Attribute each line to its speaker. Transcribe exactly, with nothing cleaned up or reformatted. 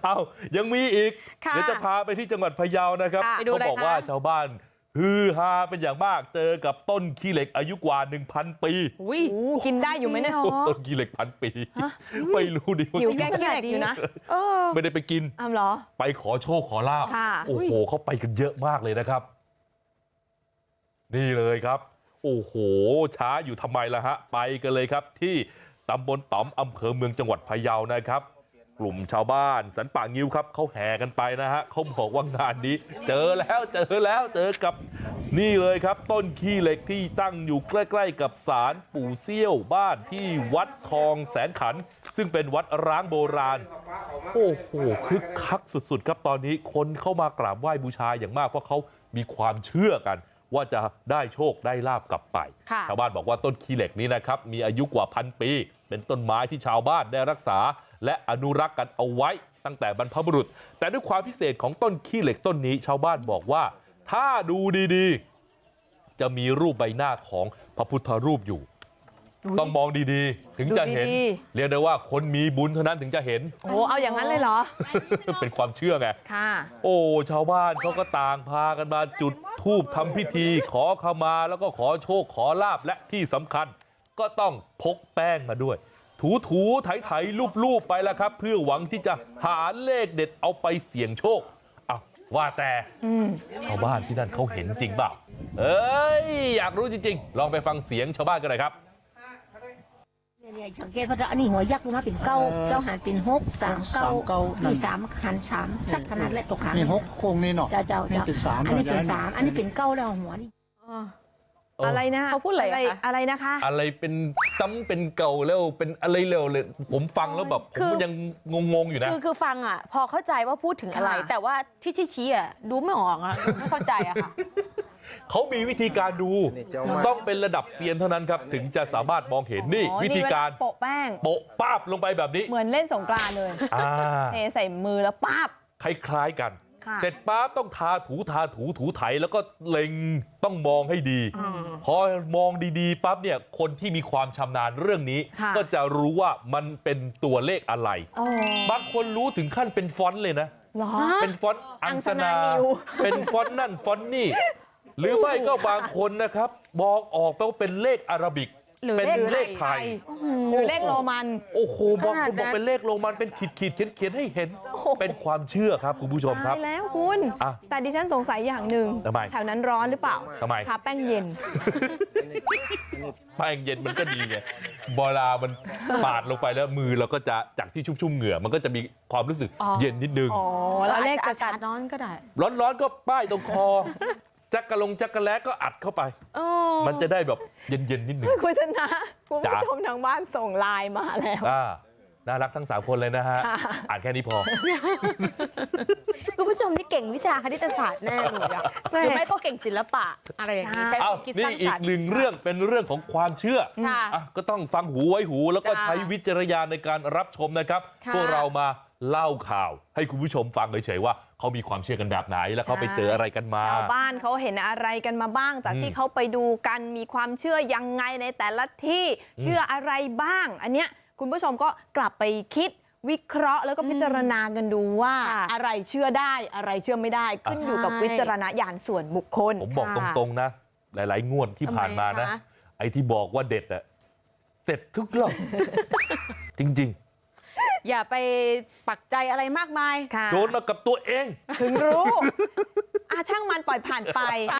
Speaker 1: เอ้ายังมีอีก
Speaker 2: ค่ะ
Speaker 1: เดี๋ยวจะพาไปที่จังหวัดพะเยานะครับ
Speaker 2: ค่ะไปดู
Speaker 1: เขา
Speaker 2: อะไร
Speaker 1: บอก
Speaker 2: คะ
Speaker 1: ว่าชาวบ้านฮือฮาเป็นอย่างมากเจอกับต้นขี้เหล็กอายุกว่า หนึ่งพัน ปี
Speaker 2: อุ้ยกินได้อยู่ไหมเนี่ย
Speaker 1: โอ้ต้นขี้เหล็กพันปี ไม่รู้ดิว่า
Speaker 2: อยู่
Speaker 1: กิน
Speaker 2: แก้ขี้เหล็กอยู่นะเออ
Speaker 1: ไม่ได้ไปกิน
Speaker 2: อ้าวเหรอ
Speaker 1: ไปขอโชคขอลาบ
Speaker 2: ค่ะ
Speaker 1: โอ้โหเขาไปกันเยอะมากเลยนะครับ นี่เลยครับ โอ้โหช้าอยู่ทำไมล่ะฮะไปกันเลยครับ ที่ตำบลต๋อมอำเภอเมืองจังหวัดพะเยานะครับ กลุ่มชาวบ้านสันป่างิ้วครับเขาแห่กันไปนะฮะเขาบอกว่างานนี้ เจอแล้วเจอแล้วเจอกับนี่เลยครับ ต้นขี้เหล็กที่ตั้งอยู่ใกล้ๆกับศาลปู่เซี่ยวบ้านที่วัดทองแสนขัน ซึ่งเป็นวัดร้างโบราณ โอ้โหคึกคักสุดๆครับตอนนี้คนเข้ามากราบไหว้บูชาอย่างมากเพราะเขามีความเชื่อกัน ว่าจะได้โชคได้ลาบกลับไป
Speaker 2: ค่ะ
Speaker 1: ชาวบ้านบอกว่าต้นขี้เหล็กนี้นะครับมีอายุกว่าพันปี เป็นต้นไม้ที่ชาวบ้านได้รักษา และอนุรักษ์กันเอาไว้ตั้งแต่บรรพบุรุษ แต่ด้วยความพิเศษของต้นขี้เหล็กต้นนี้ ชาวบ้านบอกว่า ถ้าดูดีๆ จะมีรูปใบหน้าของพระพุทธรูปอยู่ ต้องมองดีๆ ถึงจะเห็น
Speaker 2: ดูดี
Speaker 1: เรียกได้ว่าคนมีบุญเท่านั้นถึงจะเห็น
Speaker 2: โอ้เอาอย่างนั้นเลยเหรอ
Speaker 1: เป็นความเชื่อไง
Speaker 2: ค่ะ
Speaker 1: โอ้ชาวบ้านเขาก็ต่างพากันมาจุดธูปทำพิธี ขอขมาแล้วก็ขอโชคขอลาบและที่สำคัญ ก็ต้องพกแป้งมาด้วย ถูถูไถไถลูบลูบไปแล้วครับ เพื่อหวังที่จะหาเลขเด็ดเอาไปเสี่ยงโชคอ้าวว่าแต่ชาวบ้านที่นั่นเขาเห็นจริงเปล่าเอ้ยอยากรู้จริงๆ ลองไปฟังเสียงชาวบ้านกันหน่อยครับ
Speaker 3: เนี่ยสังเกตว่าอันนี้หัวยักษ์ลงมาเป็นเก้าเก้าหันเป็นหกสามเก้ามีสามหันสามสักขนาดและตกขาง
Speaker 4: นี่หกโค้งนี่เนาะ
Speaker 3: เจ้าเจ้า
Speaker 4: นี่
Speaker 3: เจ้า
Speaker 4: เป็นสาม
Speaker 3: อันนี้เป็น
Speaker 4: ยาย
Speaker 3: สามอันนี้เป็นเก้าแล้วหัวนี่
Speaker 2: อะไรนะ
Speaker 5: เขาพูดอะไรอะคะ
Speaker 2: อะไรนะคะ
Speaker 1: อะไรเป็นซ้ำเป็นเก่าแล้วเป็นอะไรเร็วเลย ผมฟังแล้วแบบผมยังงงๆอยู่นะ
Speaker 5: คือคือฟังอ่ะ พอเข้าใจว่าพูดถึงอะไร
Speaker 2: ค่ะ
Speaker 5: แต่ว่าที่ชี้ๆอ่ะดูไม่ออกอ่ะดูไม่เข้าใจอ่ะค่ะ
Speaker 1: เขามีวิธีการดูต้องเป็นระดับเซียนเท่านั้นครับ ถึงจะสามารถมองเห็นนี่
Speaker 2: อ๋อ
Speaker 1: วิธีการ
Speaker 2: นี่เวลโปะแป้ง
Speaker 1: โปะป้าบลงไปแบบนี้
Speaker 2: เหมือนเล่นสงกรานต์เลย
Speaker 1: อ่า
Speaker 2: เทใส่มือแล้วป้าบ
Speaker 1: คล้ายๆกัน
Speaker 2: ค่ะ
Speaker 1: เสร็จปั๊บต้องทาถูทาถูถูไถแล้วก็เล็งต้องมองให้ดี พอมองดีๆปั๊บเนี่ยคนที่มีความชำนาญเรื่องนี้
Speaker 2: ค่ะ
Speaker 1: ก็จะรู้ว่ามันเป็นตัวเลขอะไร
Speaker 2: อ๋อบ
Speaker 1: างคนรู้ถึงขั้นเป็นฟอนต์เลยนะ
Speaker 2: เหรอ
Speaker 1: เป็นฟอนต์อังสนา
Speaker 2: อังสนานิว
Speaker 1: เป็นฟอนต์นั่นฟอนต์นี่ หรือไม่ก็บางคนนะครับ มองออกไปว่าเป็นเลขอาราบิก
Speaker 5: หรือ
Speaker 1: เป็น
Speaker 5: เล
Speaker 1: เล
Speaker 5: ข
Speaker 1: ข
Speaker 5: ไท
Speaker 1: ไท
Speaker 5: ย
Speaker 1: ย
Speaker 2: หรือเลขโรมัน
Speaker 1: โอ้โหบาง
Speaker 5: ขนา
Speaker 1: ค
Speaker 5: ด
Speaker 1: น
Speaker 5: นั้น
Speaker 1: บอกเป็นเลขโรมันเป็นขีดขีดเขียนเขียนให้เห็น เป็นความเชื่อครับคุณผู้ชมครั
Speaker 2: ตา
Speaker 1: บ
Speaker 2: ยแล้วคุณ
Speaker 1: อ่ะ
Speaker 2: แต่ดิฉันสงสัยอย่างหนึ่ง
Speaker 1: ทำไม
Speaker 2: แถวนั้นร้อนหรือเปล่า
Speaker 1: ทำไม
Speaker 2: ทาแป้งเย็น
Speaker 1: แป้งเย็นมันก็ดีไงเวลามันปาดลงไปแล้วมือเราก็จะจากที่ชุ่มๆเหงื่อมันก็จะมีความรู้สึก
Speaker 2: อ๋อ
Speaker 1: เย็นนิดนึง
Speaker 2: อ๋อ แล้วเลข
Speaker 5: อา
Speaker 2: จะ
Speaker 5: กา
Speaker 2: ชั
Speaker 5: ศ
Speaker 2: ด
Speaker 5: ร้อนก็ได้
Speaker 1: ร้อนๆก็ป้ายตรงคอ จักกะลงจักกะแล้ก็อัดเข้าไป
Speaker 5: โอ้
Speaker 1: มันจะได้แบบเย็นๆนิดนึง
Speaker 2: คุณชนะคุณ
Speaker 1: จ๋า
Speaker 2: ผู้ชมทางบ้านส่งไลน์มาแล้ว
Speaker 1: อ่าน่ารักทั้งสามคนเลยนะฮะ
Speaker 2: ค่ะ
Speaker 1: อ่านแค่นี้พอ
Speaker 5: คุณผู้ชมนี่เก่งวิชาคณิตศาสตร์แน่เลยอะหรือไม่ก็เก่งศิลปะอะไรอย่างนี้ใช้ค
Speaker 1: เอา
Speaker 5: วามคิดส
Speaker 1: นี่
Speaker 5: ร้าง
Speaker 1: อี
Speaker 5: ส
Speaker 1: ก
Speaker 5: รรค์
Speaker 1: หนึ่งเรื่องเป็นเรื่องของความเชื่อ
Speaker 5: ค่ะ
Speaker 1: อ่ะก็ต้องฟังหูไว้หูแล้วก็
Speaker 5: จ้า
Speaker 1: ใช้วิจารณญาณในการรับชมนะครับ
Speaker 5: ค่ะ
Speaker 1: พวกเรามาเล่าข่าว ให้คุณผู้ชมฟังเฉยๆว่าเขามีความเชื่อกันแบบไหน แล้วเขาไปเจออะไรกันมา
Speaker 2: ชาวบ้านเขาเห็นอะไรกันมาบ้าง จาก
Speaker 1: อืม
Speaker 2: ที่เขาไปดูกันมีความเชื่อยังไงในแต่ละที่เชื่ออะไรบ้าง อันเนี้ยคุณผู้ชมก็กลับไปคิดวิเคราะห์แล้วก็พิจารณากันดูว่า
Speaker 5: ค่ะ
Speaker 2: อะไรเชื่อได้อะไรเชื่อไม่ได้ ขึ้นอยู่กับ
Speaker 5: ใช่
Speaker 2: วิจารณญาณส่วนบุคคล
Speaker 1: ผมบอกต
Speaker 5: ค่ะ
Speaker 1: รงๆนะ หลายๆ งวดที่ผ่านมานะ
Speaker 5: ทำไมคะ
Speaker 1: ไอ้ที่บอกว่าเด็ดอะเสร็จทุกรอบ จริง
Speaker 5: อย่าไปปักใจอะไรมากมาย
Speaker 2: ค่ะ
Speaker 1: ๆ โดนมากับตัวเอง
Speaker 2: ถึงรู้ อาช่างมันปล่อยผ่านไป